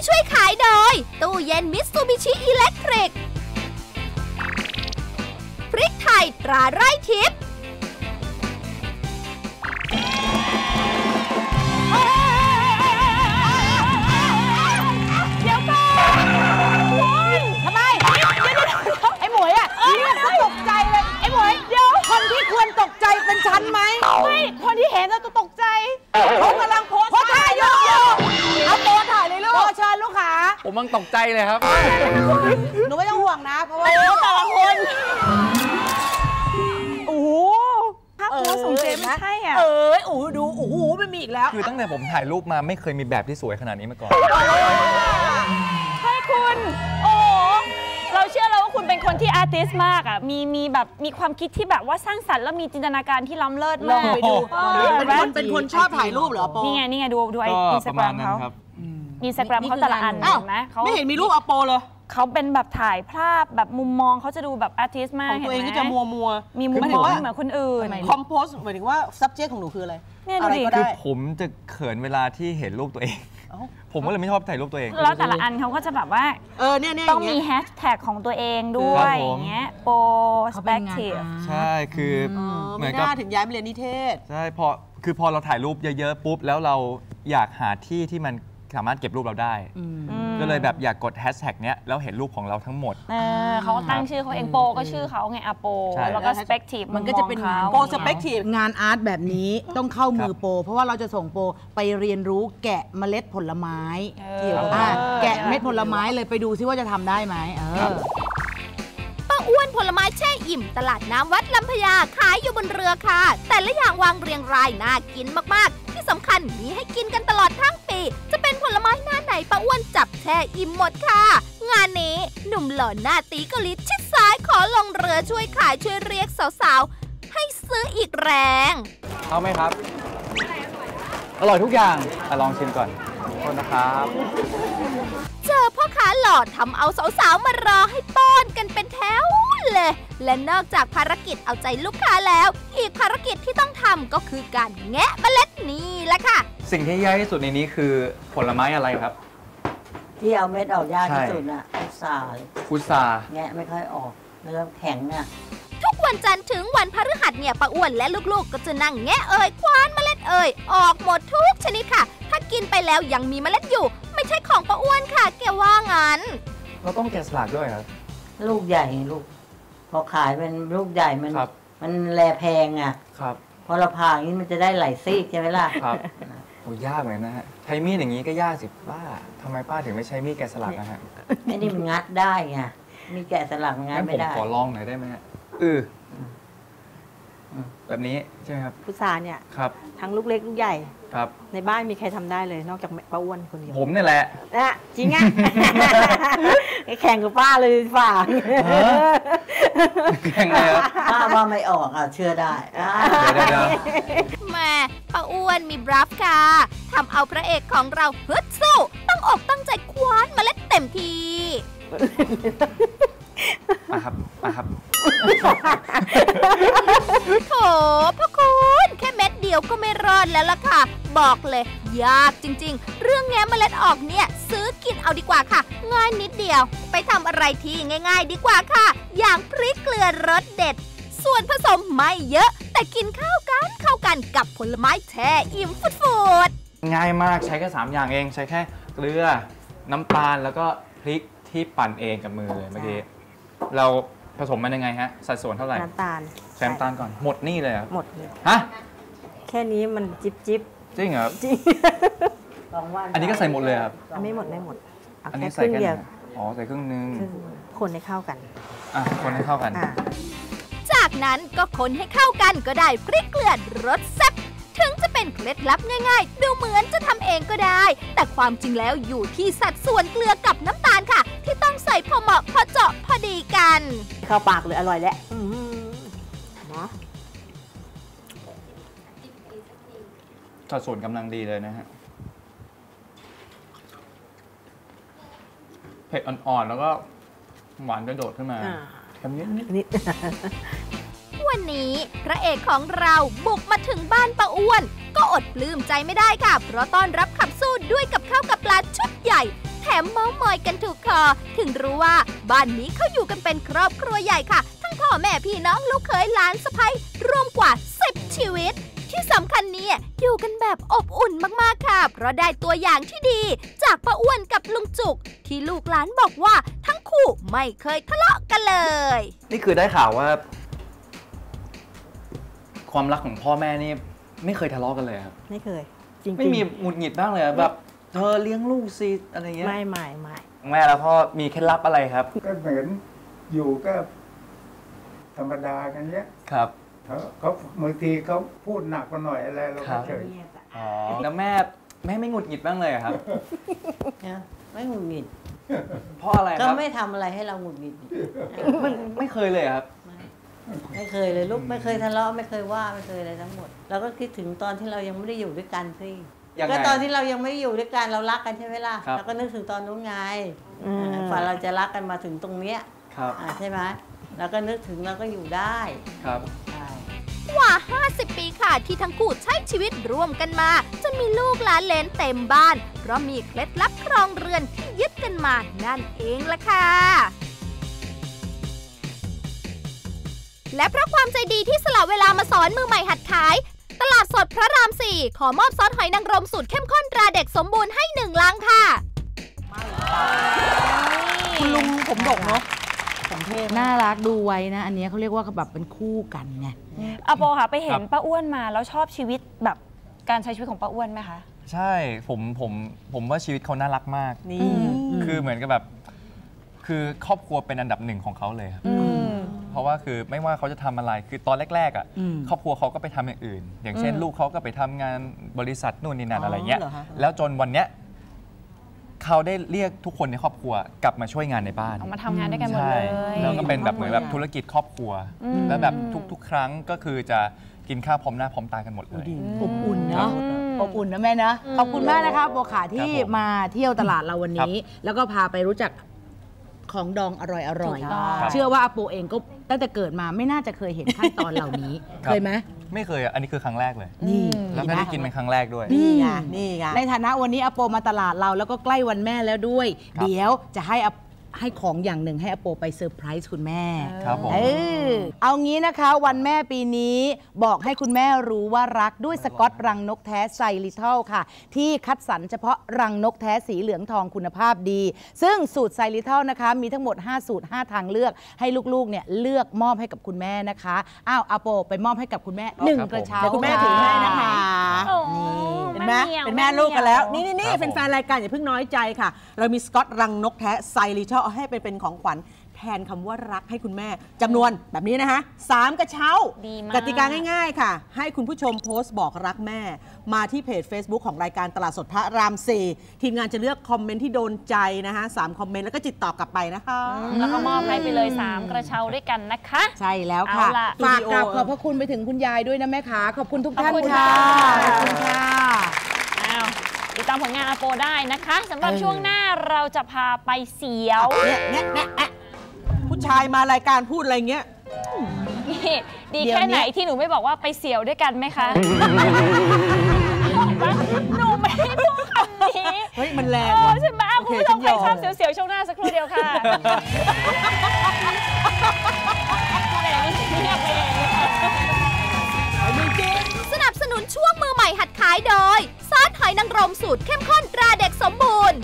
ช่วยขายโดยตู้เย็นมิตซูบิชิอิเล็กทริกพริกไทยตราไร่ทิพย์เดี๋ยวก่อนทำไมไอ้หมวยอ่ะเนี่ยก็ตกใจเลยไอ้หมวยเดี๋ยวคนที่ควรตกใจเป็นฉันไหมไม่คนที่เห็นเราตกใจเขากำลังโพสท่าอยู่เอาโพสถ่ายเลยลูกโพสเชิญลูกค้าผมมันตกใจเลยครับหนูไม่ต้องห่วงนะเพราะว่าแต่ละคนโอ้โหภาพโพสของเจมไม่ใช่อ่ะโอ้ดูโอ้โหไม่มีอีกแล้วคือตั้งแต่ผมถ่ายรูปมาไม่เคยมีแบบที่สวยขนาดนี้มาก่อนใช่คุณโอ้เราเชื่อแล้วว่าคุณเป็นคนที่อาร์ติสต์มากอ่ะมีแบบมีความคิดที่แบบว่าสร้างสรรค์แล้วมีจินตนาการที่ล้ำเลิศมากไปดูเป็นคนชอบถ่ายรูปเหรอโปนี่ไงดูไออินสตาแกรมเขาอินสตาแกรมเขาแต่ละอันเห็นไหมเขาไม่เห็นมีรูปอโปเลยเขาเป็นแบบถ่ายภาพแบบมุมมองเขาจะดูแบบอาร์ติสต์มากของตัวเองก็จะมัวมีมุมมองเหมือนคนอื่นคอมโพสหมายถึงว่า subject ของหนูคืออะไรเนี่ยดูดิคือผมจะเขินเวลาที่เห็นรูปตัวเองผมก็เลยไม่ชอบถ่ายรูปตัวเองแล้วแต่ละอันเขาก็จะแบบว่าต้องมีแฮชแท็กของตัวเองด้วยอย่างเงี้ยโปรสเปกทีฟใช่คือเหมือนกับถึงย้ายมาเรียนนิเทศใช่พอเราถ่ายรูปเยอะๆปุ๊บแล้วเราอยากหาที่มันสามารถเก็บรูปเราได้ก็เลยแบบอยากกดแฮชแท็กเนี้ยแล้วเห็นรูปของเราทั้งหมดเขาตั้งชื่อเขาเองโปก็ชื่อเขาไงอะโปแล้วก็สเปกทีฟมันก็จะเป็นโปสเปกทีฟงานอาร์ตแบบนี้ต้องเข้ามือโปเพราะว่าเราจะส่งโปไปเรียนรู้แกะเมล็ดผลไม้เกี่ยวกับแกะเม็ดผลไม้เลยไปดูซิว่าจะทำได้ไหมป้าอ้วนผลไม้แช่อิ่มตลาดน้ำวัดลำพญาขายอยู่บนเรือค่ะแต่ละอย่างวางเรียงรายน่ากินมากๆที่สำคัญมีให้กินกันตลอดทั้งปีจะเป็นผลไม้หน้าไหนป้าอ้วนจับแช่อิ่มหมดค่ะงานนี้หนุ่มหล่อหน้าตีกลิศชิดซ้ายขอลงเรือช่วยขายช่วยเรียกสาวๆให้ซื้ออีกแรงเอาไหมครับอร่อยทุกอย่างลองชิมก่อนขอบคุณนะครับเจอพ่อค้าหล่อทำเอาสาวๆมารอให้ป้อนกันเป็นแถวเลยและนอกจากภารกิจเอาใจลูกค้าแล้วอีกภารกิจที่ต้องทำก็คือการแงะเมล็ดนี่แหละค่ะสิ่งที่ยากที่สุดในนี้คือผลไม้อะไรครับที่เอาเม็ดออกยากที่สุดน่ะพุทราแงะไม่ค่อยออกเนื้อแข็งอ่ะทุกวันจันทร์ถึงวันพฤหัสเนี่ยป้าอ้วนและลูกๆก็จะนั่งแงะคว้านเมล็ดออกหมดทุกชนิดค่ะถ้ากินไปแล้วยังมีเมล็ดอยู่ไม่ใช่ของป้าอ้วนค่ะแกว่างั้นเราต้องแกะสลักด้วยครับลูกใหญ่ลูกพอขายเป็นลูกใหญ่มันแลแพงอ่ะครับพอเราผ่าอย่างนี้มันจะได้หลายซีกใช่ไหมล่ะครับโอ้ยากเหมือนนะฮะใช้มีดอย่างนี้ก็ยากสิป้าทำไมป้าถึงไม่ใช้มีดแกะสลักนะฮะไอ้นี่มันงัดได้ไงมีแกะสลักงัดไม่ได้ผมขอลองหน่อยได้ไหมฮะแบบนี้ใช่ไหมครับพุทราเนี่ยครับทั้งลูกเล็กลูกใหญ่ครับในบ้านมีใครทำได้เลยนอกจากป้าอ้วนคนเดียวผมนี่แหละจริงอ่ะแข่งกับป้าเลยฝ่าแข่งเลยป้าว่าไม่ออกเชื่อได้แม่ป้าอ้วนมีบลัฟค่ะทำเอาพระเอกของเราฮึดสู้ต้องอกตั้งใจคว้านเมล็ดเต็มทีครับโถพ่อคุณแค่เม็ดเดียวก็ไม่รอดแล้วล่ะค่ะบอกเลยยากจริงๆเรื่องแง้มเมล็ดออกเนี่ยซื้อกินเอาดีกว่าค่ะง่ายนิดเดียวไปทำอะไรที่ง่ายๆดีกว่าค่ะอย่างพริกเกลือรสเด็ดส่วนผสมไม่เยอะแต่กินเข้ากันกับผลไม้แช่อิ่มฟุดง่ายมากใช้แค่3อย่างเองใช้แค่เกลือน้ำตาลแล้วก็พริกที่ปั่นเองกับมือเลยเมื่อกี้เราผสมมันยังไงฮะสัดส่วนเท่าไหร่น้ำตาลใช้น้ำตาลก่อนหมดนี่เลยครับหมดเลยฮะแค่นี้มันจิบจริงเหรอจริงอันนี้ก็ใส่หมดเลยครับไม่หมดอันนี้ใส่แค่เดียวใส่ครึ่งนึงคนให้เข้ากันคนให้เข้ากันจากนั้นก็คนให้เข้ากันก็ได้พริกเกลือรสแซ่บถึงจะเป็นเคล็ดลับง่ายๆดูเหมือนจะทำเองก็ได้แต่ความจริงแล้วอยู่ที่สัดส่วนเกลือกับน้ำตาลค่ะที่ต้องใส่พอเหมาะพอเจาะพอดีกันเข้าปากเลยอร่อยแล้วนะสัดส่วนกำลังดีเลยนะฮะเผ็ดอ่อนๆแล้วก็หวานกระโดดขึ้นมาทำนิดวันนี้พระเอกของเราบุกมาถึงบ้านป้าอ้วนก็อดปลื้มใจไม่ได้ค่ะเพราะต้อนรับขับสู้ด้วยกับข้าวกับปลาชุดใหญ่แถมเม้ามอยกันถูกคอถึงรู้ว่าบ้านนี้เขาอยู่กันเป็นครอบครัวใหญ่ค่ะทั้งพ่อแม่พี่น้องลูกเขยหลานสะใภ้รวมกว่า10 ชีวิตที่สำคัญเนี่ยอยู่กันแบบอบอุ่นมากๆค่ะเพราะได้ตัวอย่างที่ดีจากป้าอ้วนกับลุงจุกที่ลูกหลานบอกว่าทั้งคู่ไม่เคยทะเลาะกันเลยนี่คือได้ข่าวว่า ความรักของพ่อแม่นี่ไม่เคยทะเลาะกันเลยครับไม่เคย จริงๆไม่มีหงุดหงิดบ้างเลยแบบเธอเลี้ยงลูกสิอะไรเงี้ยไม่แม่แล้วพ่อมีเคล็ดลับอะไรครับก็เหมือนอยู่ก็ธรรมดากันเนี้ยครับเขาบางทีเขาพูดหนักกว่าหน่อยอะไรเราครัก็บเฉยอ๋อแล้วแม่ไม่หงุดหงิดบ้างเลยเหรอครับไม่หงุดหงิดเพราะอะไรคก็รับไม่ทำอะไรให้เราหงุดหงิดไม่เคยเลยครับไม่เคยเลยลูกไม่เคยทะเลาะไม่เคยว่าไม่เคยอะไรทั้งหมดเราก็คิดถึงตอนที่เรายังไม่ได้อยู่ด้วยกันสิยังไงก็ตอนที่เรายังไม่ได้อยู่ด้วยกันเรารักกันใช่ไหมล่ะครับเราก็นึกถึงตอนนู้นไงฝ่าเราจะรักกันมาถึงตรงเนี้ยครับใช่ไหมเราก็นึกถึงเราก็อยู่ได้ครับใช่กว่า 50 ปีค่ะที่ทั้งคู่ใช้ชีวิตร่วมกันมาจนมีลูกหลานเหลนเต็มบ้านเพราะมีเคล็ดลับครองเรือนที่ยึดกันมานั่นเองล่ะค่ะและเพราะความใจดีที่สละเวลามาสอนมือใหม่หัดขาย ตลาดสดพระราม 4 ขอมอบซอสหอยนางรมสูตรเข้มข้นตราเด็กสมบูรณ์ให้1 ลังค่ะคุณลุงผมดกเนาะน่ารักดูไว้นะ อันนี้เขาเรียกว่าแบบเป็นคู่กันไงอโปค่ะไปเห็นป้าอ้วนมาแล้วชอบชีวิตแบบการใช้ชีวิตของป้าอ้วนไหมคะใช่ผมว่าชีวิตเขาน่ารักมากนี่คือเหมือนกับแบบคือครอบครัวเป็นอันดับหนึ่งของเขาเลยครับเพราะว่าคือไม่ว่าเขาจะทำอะไรคือตอนแรกๆอ่ะอืมครอบครัวเขาก็ไปทำอย่างอื่น อย่างเช่น ลูกเขาก็ไปทำงานบริษัทนู่นนี่นั่นอะไรเงี้ยเหรอคะแล้วจนวันเนี้ยเขาได้เรียกทุกคนในครอบครัวกลับมาช่วยงานในบ้านออกมาทำงานด้วยกันหมดใช่เลยแล้วก็เป็นแบบเหมือนแบบธุรกิจครอบครัว แล้วแบบทุกๆ ครั้งก็คือจะกินข้าวพร้อมหน้าพร้อมตากันหมดเลยอบอุ่นเนาะอบอุ่นนะแม่นะขอบคุณมากนะคะโบขาที่ครับผมมาเที่ยวตลาดเราวันนี้ แล้วก็พาไปรู้จักของดองอร่อยถูกต้องๆเชื่อว่าอาโปเองก็ตั้งแต่เกิดมาไม่น่าจะเคยเห็นขั้นตอนเหล่านี้ครับเคยไหมไม่เคยอ่ะอันนี้คือครั้งแรกเลยนี่แล้วก็ได้กินเป็นครั้งแรกด้วยนี่ไงนี่ไงในฐานะวันนี้อาโปมาตลาดเราแล้วก็ใกล้วันแม่แล้วด้วยครับเดี๋ยวจะให้ของอย่างหนึ่งให้อาโปไปเซอร์ไพรส์คุณแม่ครับผมเอางี้นะคะวันแม่ปีนี้บอกให้คุณแม่รู้ว่ารักด้วยสกอตรังนกแท้ไซลิทัลค่ะ ที่คัดสรรเฉพาะรังนกแท้สีเหลืองทองคุณภาพดี ซึ่งสูตรไซลิทัลนะคะมีทั้งหมด5สูตร5ทางเลือกให้ลูกๆเนี่ยเลือกมอบให้กับคุณแม่นะคะอ้าวอาโปไปมอบให้กับคุณแม่1กระเช้าเดี๋ยวคุณแม่ถือให้นะคะโอ้เห็นไหมหี่ยวเป็นแม่ลูกกันแล้ว นี่ครับผมแฟนๆรายการอย่าเพิ่งน้อยใจค่ะ เรามีสกอตรังนกแท้ไซริทัลให้เป็นของขวัญแทนคำว่ารักให้คุณแม่จำนวนแบบนี้นะคะ3กระเช้าดีมากกติกาง่ายๆค่ะ ให้คุณผู้ชมโพสต์บอกรักแม่ มาที่เพจ Facebook ของรายการตลาดสดพระราม 4 ทีมงานจะเลือกคอมเมนต์ที่โดนใจนะคะ3คอมเมนต์แล้วก็ติดต่อกลับไปนะคะแล้วก็มอบให้ไปเลย 3 กระเช้าด้วยกันนะคะใช่แล้วค่ะเอาล่ะฝากกราบขอบพระคุณไปถึงคุณยายด้วยนะแม่ขาขอบคุณทุกท่านขอบคุณค่ะค่ะขอบคุณค่ะอ้าวติดตามผลงานอาโปได้นะคะสำหรับช่วงหน้าเราจะพาไปเสียวเนี่ยผู้ชายมารายการพูดอะไรเงี้ยนี่ดีเดี๋ยวแค่นี้ไหนที่หนูไม่บอกว่าไปเสียวด้วยกันไหมคะ หนูไม่ได้พูดคำนี้เฮ้ยมันแรงเออว่ะใช่ไหมอ่ะคุณผู้ชมใครชอบเสียวๆช่วงหน้าสักครู่เดียวค่ะแหมมันเงียบไปเองเลยค่ะสนับสนุนช่วงมือใหม่หัดขายโดยซอสหอยนางรมสูตรเข้มข้นตราเด็กสมบูรณ์